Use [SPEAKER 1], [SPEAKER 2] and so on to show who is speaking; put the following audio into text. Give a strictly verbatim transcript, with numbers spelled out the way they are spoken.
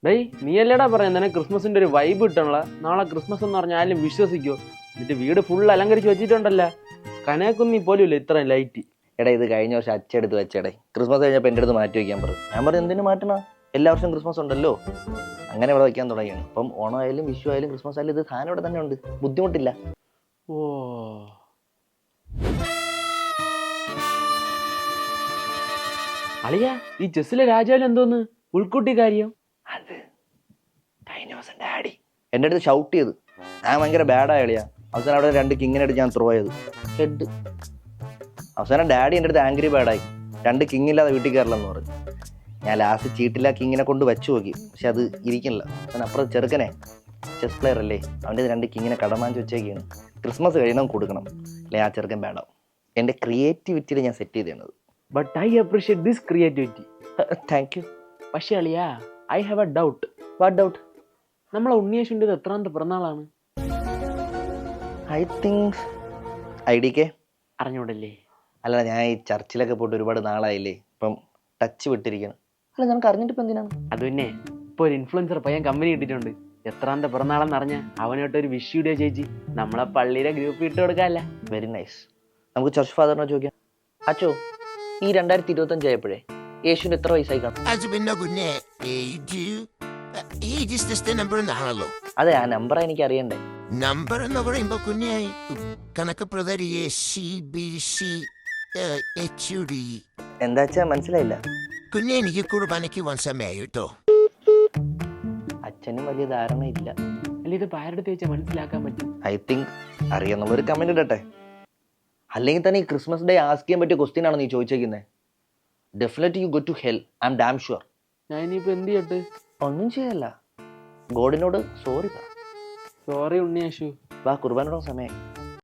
[SPEAKER 1] ഡേയ് നീ അല്ലേടാ പറയാം നിനക്ക് ക്രിസ്മസിന്റെ ഒരു വൈബ് കിട്ടണല്ല. നാളെ ക്രിസ്മസ് എന്ന് പറഞ്ഞാൽ ആരും വിശ്വസിക്കോ? എന്നിട്ട് വീട് ഫുൾ അലങ്കരിച്ച് വെച്ചിട്ടുണ്ടല്ലോ. കനകുന്നി പോലും ഇല്ല ഇത്രയും ലൈറ്റ്.
[SPEAKER 2] എടാ ഇത് കഴിഞ്ഞ വർഷം അച്ചെടുത്ത് വെച്ചേടേ. ക്രിസ്മസ് കഴിഞ്ഞപ്പോൾ എൻ്റെ അടുത്ത് മാറ്റി വയ്ക്കാൻ പറഞ്ഞു. ഞാൻ പറഞ്ഞു എന്തിനു മാറ്റണ, എല്ലാ വർഷവും ക്രിസ്മസ് ഉണ്ടല്ലോ. അങ്ങനെ ഇവിടെ വയ്ക്കാൻ തുടങ്ങിയാണ്. അപ്പം ഓണം ആയാലും വിഷു ആയാലും ക്രിസ്മസ് ആയാലും ഇത് സാധനം ഇവിടെ തന്നെ ഉണ്ട്, ബുദ്ധിമുട്ടില്ല.
[SPEAKER 1] ഓ അളിയാ, ഈ ചെസ്സിലെ രാജാവിൽ എന്തോന്ന് ഉൾക്കുട്ടി കാര്യം?
[SPEAKER 2] അത് കഴിഞ്ഞ ദിവസം ഡാഡി എൻ്റെ അടുത്ത് ഷൗട്ട് ചെയ്ത്. ഞാൻ ഭയങ്കര ബാഡായ കളിയാ. അവസാനം അവിടെ രണ്ട് കിങ്ങിനായിട്ട് ഞാൻ ത്രോ ചെയ്ത് ഹെഡ്. അവസാനം ഡാഡി എൻ്റെ അടുത്ത് ആംഗ്രി ബാഡായി. രണ്ട് കിങ് ഇല്ലാതെ വീട്ടിൽ കയറില്ലെന്ന് പറഞ്ഞു. ഞാൻ ലാസ്റ്റ് ചീട്ടില്ല കിങ്ങിനെ കൊണ്ട് വെച്ച് നോക്കി, പക്ഷെ അത് ഇരിക്കണില്ല. അവൻ അപ്പുറം ചെറുക്കനെ ചെസ് പ്ലെയർ അല്ലേ, അവൻ്റെ രണ്ട് കിങ്ങിനെ കടമാഞ്ച് വെച്ചേക്കാണ്. ക്രിസ്മസ് കഴിയണം കൊടുക്കണം, അല്ലെങ്കിൽ ആ ചെറുക്കൻ ബാഡാവും. എൻ്റെ ക്രിയേറ്റിവിറ്റിയിൽ ഞാൻ സെറ്റ് ചെയ്തത്.
[SPEAKER 1] But I appreciate this creativity.
[SPEAKER 2] Thank you.
[SPEAKER 1] പക്ഷേ അളിയാ, I have a doubt.
[SPEAKER 2] What doubt?
[SPEAKER 1] നമ്മളെ ഉണ്ണിയേശുവിൻ്റെ എത്രാമത്തെ പിറന്നാളാണ്?
[SPEAKER 2] I think I D K.
[SPEAKER 1] അറിഞ്ഞൂടല്ലേ?
[SPEAKER 2] അല്ല, ഞാൻ ഈ ചർച്ചിലൊക്കെ പോയിട്ട് ഒരുപാട് നാളായില്ലേ, ഇപ്പം ടച്ച് വിട്ടിരിക്കണം. അല്ല, നിനക്ക് അറിഞ്ഞിട്ട് ഇപ്പം എന്തിനാണ്?
[SPEAKER 1] അത് പിന്നെ ഇപ്പോൾ ഒരു ഇൻഫ്ലുവൻസർ പയ്യൻ കമ്പനി കിട്ടിയിട്ടുണ്ട്. എത്രാമത്തെ പിറന്നാളെന്ന് അറിഞ്ഞാൽ അവനായിട്ട് ഒരു വിഷ് വീഡിയോ ചേച്ചി നമ്മളെ പള്ളിയിലെ ഗ്രൂപ്പ് ഇട്ട് കൊടുക്കാമല്ല.
[SPEAKER 2] Very nice. നമുക്ക് ചർച്ച് ഫാദറിനെ ചോദിക്കാം. അച്ചോ, ഈ രണ്ടായിരത്തി ഇരുപത്തഞ്ച് ആയപ്പോഴേ യേശുവിന് എത്ര വയസ്സായി കാണും?
[SPEAKER 3] അത് പിന്നെ കുഞ്ഞെ age age is just number എന്നാണല്ലോ.
[SPEAKER 2] അതെ, ആ നമ്പർ എനിക്ക് അറിയണ്ടേ.
[SPEAKER 3] നമ്പർ എന്ന് പറയുമ്പോ കുഞ്ഞെ കണക്ക് പ്രതരിയെ C B C H U D.
[SPEAKER 2] എന്താ വെച്ചാ മനസ്സിലായില്ല.
[SPEAKER 3] കുഞ്ഞെ എനിക്ക് കുർബാനയ്ക്ക് വൻ സമയമായി കേട്ടോ.
[SPEAKER 2] അച്ഛനും വലിയ ധാരണ ഇല്ല.
[SPEAKER 1] അല്ല, ഇത് പാരടുത്ത് വെച്ചാൽ മനസ്സിലാക്കാൻ പറ്റും.
[SPEAKER 2] ഐ തിങ്ക് അറിയാന്നുള്ളൊരു കമന്റ് ഇടട്ടെ. അല്ലെങ്കിൽ തന്നെ ഈ ക്രിസ്മസ് ഡേ ആസ്ക് ചെയ്യാൻ പറ്റിയ ക്വസ്റ്റ്യൻ ആണ് നീ ചോദിച്ചേക്കുന്നത്. Definitely you go to hell, I am damn sure.
[SPEAKER 1] ഞാൻ ഇനിയിപ്പോൾ എന്ത് ചെയ്യട്ടെ?
[SPEAKER 2] ഒന്നും ചെയ്യല്ല, ഗോഡിനോട് സോറി പറ.
[SPEAKER 1] സോറി ഉണ്ണിയേശു.
[SPEAKER 2] വാ, കുർബാനയുടെ സമയം.